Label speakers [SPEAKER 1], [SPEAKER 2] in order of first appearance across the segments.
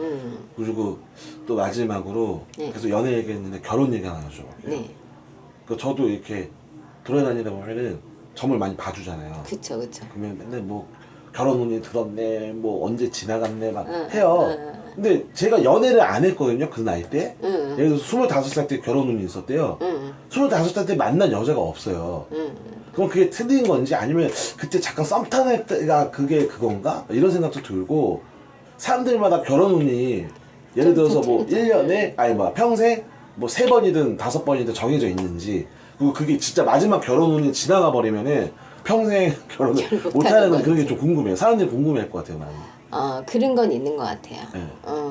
[SPEAKER 1] 그리고 또 마지막으로
[SPEAKER 2] 네.
[SPEAKER 1] 계속 연애 얘기했는데 결혼 얘기 하나 좀.
[SPEAKER 2] 네.
[SPEAKER 1] 그 저도 이렇게 돌아다니다 보면은 점을 많이 봐주잖아요.
[SPEAKER 2] 그쵸.
[SPEAKER 1] 그러면 맨날 뭐 결혼 운이 들었네, 뭐 언제 지나갔네 막 해요. 근데 제가 연애를 안 했거든요, 그 나이 때. 예를 들어서 25살 때 결혼 운이 있었대요. 25살 때 만난 여자가 없어요. 그럼 그게 틀린 건지 아니면 그때 잠깐 썸 타는 때가 그게 그건가? 이런 생각도 들고, 사람들마다 결혼 운이 예를 들어서 뭐 1년에 아니 뭐 평생 뭐 3번이든 5번이든 정해져 있는지, 그리고 그게 진짜 마지막 결혼 운이 지나가 버리면은 평생 결혼을 못하는 그런 게 좀 궁금해요. 사람들이 궁금해할 것 같아요, 많이.
[SPEAKER 2] 그런 건 있는 것 같아요.
[SPEAKER 1] 네.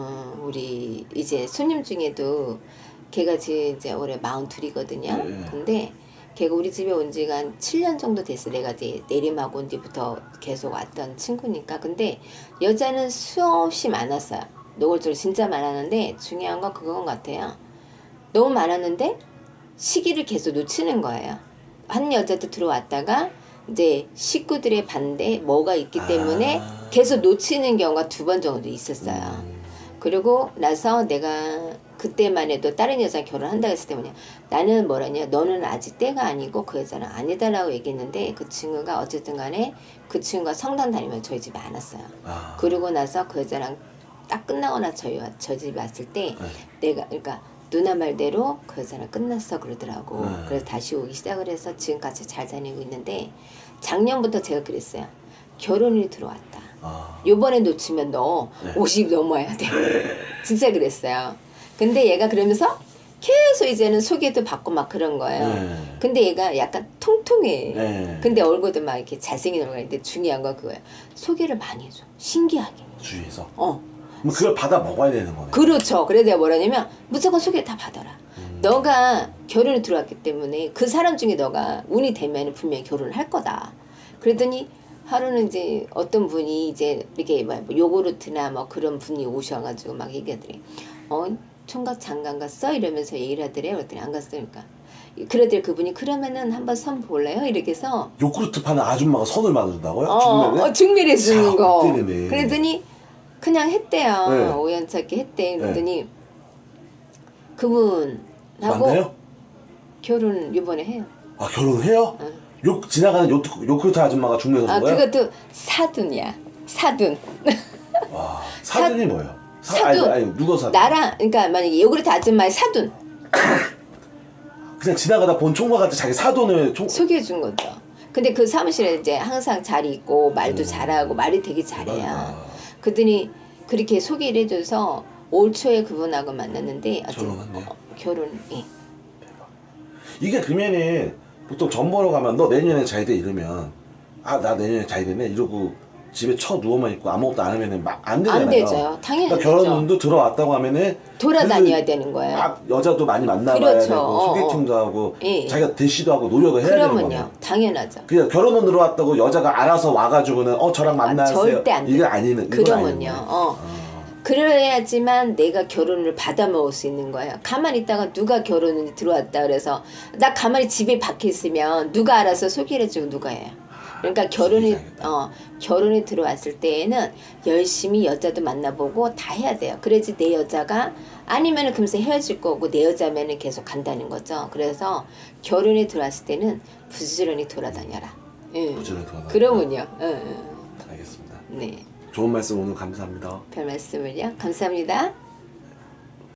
[SPEAKER 2] 우리 이제 손님 중에도 걔가 이제 올해 42이거든요.
[SPEAKER 1] 네.
[SPEAKER 2] 근데 걔가 우리 집에 온 지가 한 7년 정도 됐어. 내가 이제 내림하고 온 뒤부터 계속 왔던 친구니까. 근데 여자는 수없이 많았어요. 노골적으로 진짜 많았는데 중요한 건 그건 같아요. 너무 많았는데 시기를 계속 놓치는 거예요. 한 여자도 들어왔다가 이제 식구들의 반대 뭐가 있기 때문에 계속 놓치는 경우가 2번 정도 있었어요. 그리고 나서 내가 그때만 해도 다른 여자 결혼한다고 했을 때 뭐냐, 나는 뭐라냐, 너는 아직 때가 아니고 그 여자는 아니다라고 얘기했는데, 그 친구가 어쨌든 간에 그 친구가 성당 다니면 저희 집에 안 왔어요. 그러고 나서 그 여자랑 딱 끝나고 나서 저희 집에 왔을 때 내가 그러니까 누나 말대로 그 여자랑 끝났어 그러더라고. 그래서 다시 오기 시작을 해서 지금까지 잘 다니고 있는데, 작년부터 제가 그랬어요. 결혼이 들어왔다. 요번에 놓치면 너 50 넘어야 돼. 진짜 그랬어요. 근데 얘가 그러면서 계속 이제는 소개도 받고 막 그런 거예요. 근데 얘가 약간 통통해. 근데 얼굴도 막 이렇게 잘생긴 얼굴인데 중요한 건 그거예요. 소개를 많이 해줘. 신기하게.
[SPEAKER 1] 주위에서. 그럼 그걸 받아 먹어야 되는 거네.
[SPEAKER 2] 그렇죠. 그래서 내가 뭐라냐면 무조건 소개 다 받아라. 너가 결혼에 들어왔기 때문에 그 사람 중에 너가 운이 되면 분명히 결혼을 할 거다. 그랬더니 하루는 이제 어떤 분이 이제 이렇게 뭐 요구르트나 뭐 그런 분이 오셔가지고 막 얘기하더래. 총각 장관 갔어? 이러면서 얘기를 하더래요. 그랬더니 안 갔으니까. 그러더니 그분이 그러면은 한번 선 볼래요? 이렇게 해서
[SPEAKER 1] 요구르트 파는 아줌마가 선을 만든다고요?
[SPEAKER 2] 중매를 주는 거.
[SPEAKER 1] 헛되네.
[SPEAKER 2] 그랬더니 그냥 했대요.
[SPEAKER 1] 네.
[SPEAKER 2] 우연찮게 했대. 그랬더니 그분하고
[SPEAKER 1] 맞나요?
[SPEAKER 2] 결혼 이번에 해요.
[SPEAKER 1] 결혼해요? 지나가는 요구르트 아줌마가 중매서 준 거예요?
[SPEAKER 2] 그것도 사돈이야. 사돈.
[SPEAKER 1] 와, 사돈이 뭐예요?
[SPEAKER 2] 사돈.
[SPEAKER 1] 아니, 누가 사돈?
[SPEAKER 2] 나랑 그러니까 만약에 요구르트 아줌마의 사돈
[SPEAKER 1] 그냥 지나가다 본 총각한테 자기 사돈을
[SPEAKER 2] 소개해 준 거죠. 근데 그 사무실에 이제 항상 잘 있고 말도 잘하고 말이 되게 잘해요. 그랬더니 그렇게 소개를 해줘서 올 초에 그분하고 만났는데
[SPEAKER 1] 결혼했네요.
[SPEAKER 2] 결혼이.
[SPEAKER 1] 이게 그러면은 보통 전 보러 가면 너 내년에 잘 돼 이러면 나 내년에 잘 되네 이러고 집에 누워만 있고 아무것도 안 하면은 막 안 되잖아요.
[SPEAKER 2] 안 되죠. 당연히
[SPEAKER 1] 그러니까 결혼도 들어왔다고 하면은
[SPEAKER 2] 돌아다녀야 되는 거예요.
[SPEAKER 1] 막 여자도 많이 만나봐야
[SPEAKER 2] 그렇죠.
[SPEAKER 1] 되고 소개팅도 하고
[SPEAKER 2] 예.
[SPEAKER 1] 자기가 대시도 하고 노력을 해야 되는 거예요.
[SPEAKER 2] 그러면요. 당연하죠.
[SPEAKER 1] 그냥 결혼은 들어왔다고 여자가 알아서 와가지고는 저랑 만나세요.
[SPEAKER 2] 절대 안 돼.
[SPEAKER 1] 이게 아니는.
[SPEAKER 2] 그러면요. 그래야지만 내가 결혼을 받아 먹을 수 있는 거예요. 가만히 있다가 누가 결혼을 들어왔다 그래서 나 가만히 집에 박혀 있으면 누가 알아서 소개를 해주고 누가 해요. 그러니까 결혼이 들어왔을 때에는 열심히 여자도 만나보고 다 해야 돼요. 그래야지 내 여자가 아니면은 금세 헤어질 거고 내 여자면은 계속 간다는 거죠. 그래서 결혼에 들어왔을 때는 부지런히 돌아다녀라.
[SPEAKER 1] 부지런히 돌아다녀라.
[SPEAKER 2] 그러면요.
[SPEAKER 1] 알겠습니다.
[SPEAKER 2] 네.
[SPEAKER 1] 좋은 말씀 오늘 감사합니다.
[SPEAKER 2] 별 말씀을요. 감사합니다.